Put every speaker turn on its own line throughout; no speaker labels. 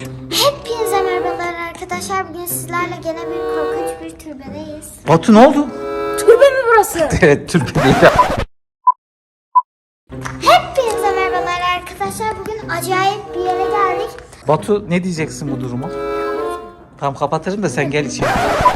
Hepinize merhabalar arkadaşlar. Bugün sizlerle gene bir korkunç bir türbedeyiz.
Batu ne oldu?
Türbe mi burası?
Evet, türbe değil.
Hepinize merhabalar arkadaşlar. Bugün acayip bir yere geldik.
Batu ne diyeceksin bu duruma? Tamam kapatırım da sen gel içeri.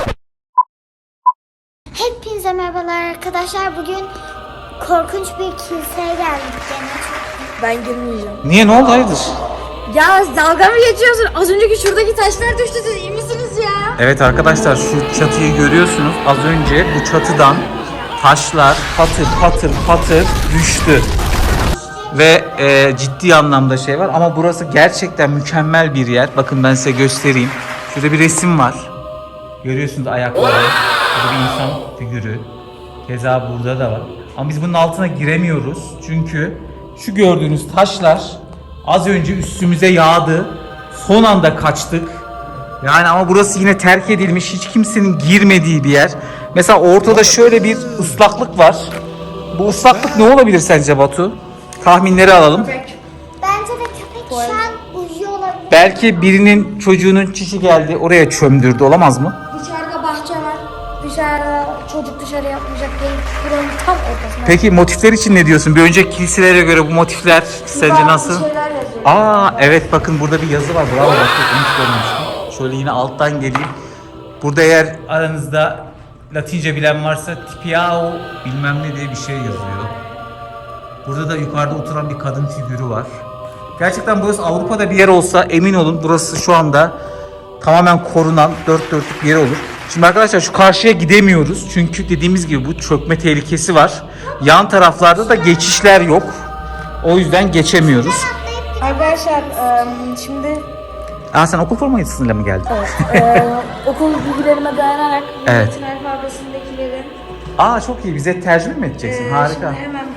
Hepinize merhabalar arkadaşlar. Bugün korkunç bir kiliseye geldik gene.
Ben girmeyeceğim.
Niye, ne oldu, hayırdır?
Ya dalga mı geçiyorsun? Az önceki şuradaki taşlar düştü, siz iyi misiniz ya?
Evet arkadaşlar, şu çatıyı görüyorsunuz. Az önce bu çatıdan taşlar patır patır patır düştü. Ve ciddi anlamda şey var ama burası gerçekten mükemmel bir yer. Bakın ben size göstereyim. Şurada bir resim var. Görüyorsunuz ayakları. Burada bir insan figürü. Keza burada da var. Ama biz bunun altına giremiyoruz. Çünkü şu gördüğünüz taşlar az önce üstümüze yağdı. Son anda kaçtık. Yani ama burası yine terk edilmiş. Hiç kimsenin girmediği bir yer. Mesela ortada şöyle bir ıslaklık var. Bu ıslaklık ne olabilir sence Batu? Tahminleri alalım.
Bence de köpek şu an uyuyor olabilir.
Belki birinin çocuğunun çişi geldi, oraya çömdürdü, olamaz mı?
Dışarıda bahçe var. Dışarıda çocuk dışarı yapmayacak değil. Buranın tam ortasında.
Peki motifler için ne diyorsun? Bir önceki kiliselere göre bu motifler sence nasıl?
Şeyler yazıyor.
Aa evet, bakın burada bir yazı var. Bravo, bak hiç görmemiştim. Şöyle yine alttan geleyim. Burada eğer aranızda Latince bilen varsa tipiao bilmem ne diye bir şey yazıyor. Burada da yukarıda oturan bir kadın figürü var. Gerçekten burası Avrupa'da bir yer olsa emin olun burası şu anda tamamen korunan dört dörtlük bir yer olur. Şimdi arkadaşlar şu karşıya gidemiyoruz. Çünkü dediğimiz gibi bu çökme tehlikesi var. Yan taraflarda da geçişler yok. O yüzden geçemiyoruz.
Arkadaşlar şimdi
Sen okul formasıyla mı geldin?
okul bilgilerime dayanarak
Evet.
Latin alfabesindekilerin
Çok iyi. Bize tercüme mi edeceksin? Harika.
Şimdi hemen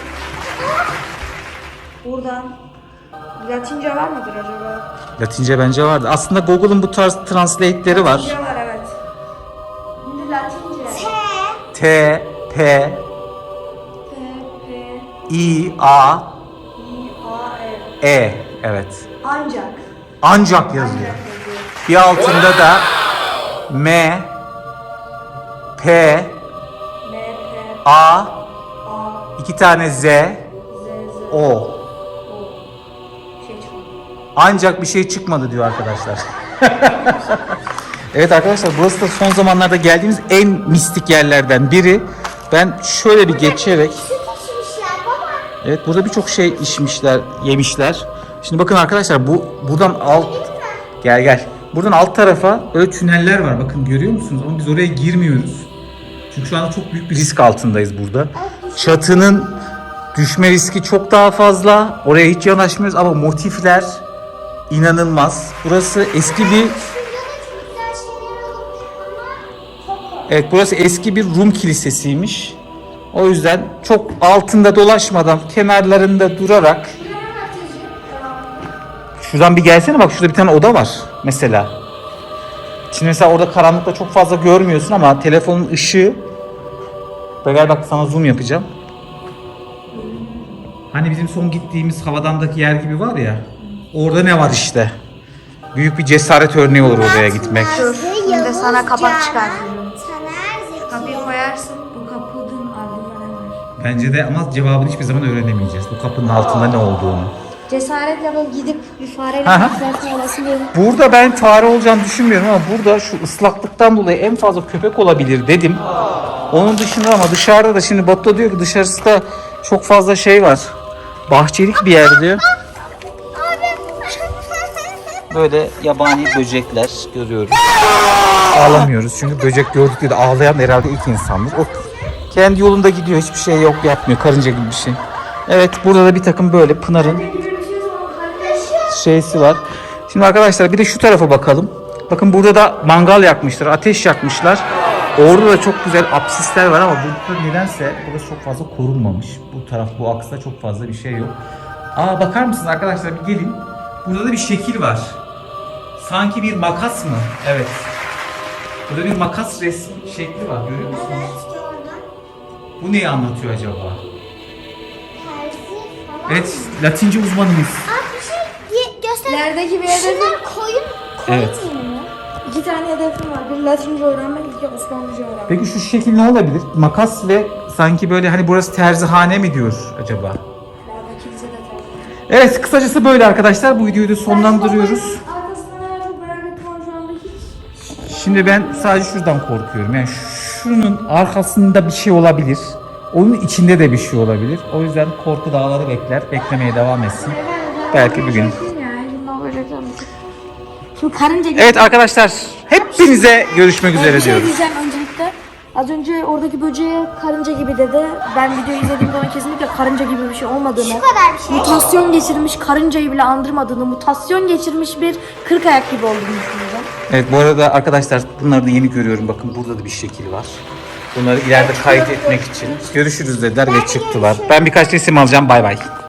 buradan Latince var mıdır acaba?
Latince bence vardı. Aslında Google'un bu tarz translate'leri var.
Latince var, evet. Şimdi Latince.
T, P,
P, P,
I, A,
I, A, E.
E. Evet.
Ancak.
Ancak yazıyor. Bir altında da M, P,
M, P,
A,
A,
iki tane Z,
Z, Z,
O.
O. Şey çıkmadı.
Ancak bir şey çıkmadı diyor arkadaşlar. Evet arkadaşlar, burası da son zamanlarda geldiğimiz en mistik yerlerden biri. Ben şöyle bir geçerek...
Süt içmişler baba.
Evet, burada birçok şey içmişler, yemişler. Şimdi bakın arkadaşlar, buradan alt... Gel. Buradan alt tarafa böyle tüneller var. Bakın görüyor musunuz? Ama biz oraya girmiyoruz. Çünkü şu anda çok büyük bir risk altındayız burada. Çatının düşme riski çok daha fazla. Oraya hiç yanaşmıyoruz ama motifler inanılmaz. Burası eski bir... Evet, burası eski bir Rum kilisesiymiş. O yüzden çok altında dolaşmadan kenarlarında durarak... Şuradan bir gelsene, bak şurada bir tane oda var mesela. Şimdi mesela orada karanlıkta çok fazla görmüyorsun ama telefonun ışığı... Gel bak, sana zoom yapacağım. Hani bizim son gittiğimiz havadandaki yer gibi var ya. Orada ne var işte. Büyük bir cesaret örneği olur oraya gitmek.
Şimdi sana kapak çıkartıyorum.
Taner
Kapıyı
Zeki.
koyarsın. Bu kapının ardında ne var?
Bence de, ama cevabını hiçbir zaman öğrenemeyeceğiz. Bu kapının altında ne olduğunu.
Cesaretle böyle gidip bir fareyle
Aha.
bakmak olasın diyorum.
Burada ben fare olacağını düşünmüyorum ama burada şu ıslaklıktan dolayı en fazla köpek olabilir dedim. Onun dışında ama dışarıda da şimdi Batu diyor ki dışarısı da çok fazla şey var. Bahçelik bir yer diyor. Böyle yabani böcekler görüyoruz. Ağlamıyoruz çünkü böcek gördük diye de ağlayan herhalde ilk insandır. O kendi yolunda gidiyor, hiçbir şey yok, yapmıyor, karınca gibi bir şey. Evet, burada da bir takım böyle Pınar'ın şeysi var. Şimdi arkadaşlar bir de şu tarafa bakalım. Bakın burada da mangal yakmışlar, ateş yakmışlar. Orada da çok güzel apsisler var ama burada nedense burası çok fazla korunmamış. Bu taraf, bu aksta çok fazla bir şey yok. Bakar mısınız arkadaşlar, bir gelin. Burada da bir şekil var. Sanki bir makas mı? Evet. Burada bir makas resmi şekli var, görüyor musunuz?
Evet gördüm.
Bu neyi anlatıyor acaba?
Terzi falan.
Evet, Latince uzmanımız.
Bir şey göster. Arkadaşlar
İlerideki bir hedefim,
şunlar koyun
Evet.
mu?
2 tane hedefim var. Bir Latince öğrenmek, 2 Osmanlıca öğrenmek.
Peki şu şekil ne olabilir? Makas ve sanki böyle hani burası terzihane mi diyor acaba?
İleride kilise de tercih.
Evet, kısacası böyle arkadaşlar. Bu videoyu da sonlandırıyoruz.
Arkasından eğer çok merak ettim ama şu anda hiç.
Şimdi ben sadece şuradan korkuyorum. Yani şunun arkasında bir şey olabilir. Onun içinde de bir şey olabilir. O yüzden korku dağları beklemeye devam etsin. Belki bir gün.
Şimdi karınca gibi.
Evet arkadaşlar, hepinize görüşmek üzere
Bir şey
diyoruz.
diyeceğim öncelikle. Az önce oradaki böceğe karınca gibi dedi. Ben videoyu izlediğim zaman kesinlikle karınca gibi bir şey olmadığını,
Şu kadar bir şey.
mutasyon geçirmiş karıncayı bile andırmadığını, mutasyon geçirmiş bir kırk ayak gibi olduğunu düşünüyorum.
Evet, bu arada arkadaşlar bunları da yeni görüyorum. Bakın burada da bir şekil var. Bunları ileride kaydetmek için. Görüşürüz dediler ve çıktılar. Ben birkaç resim alacağım. Bay bay.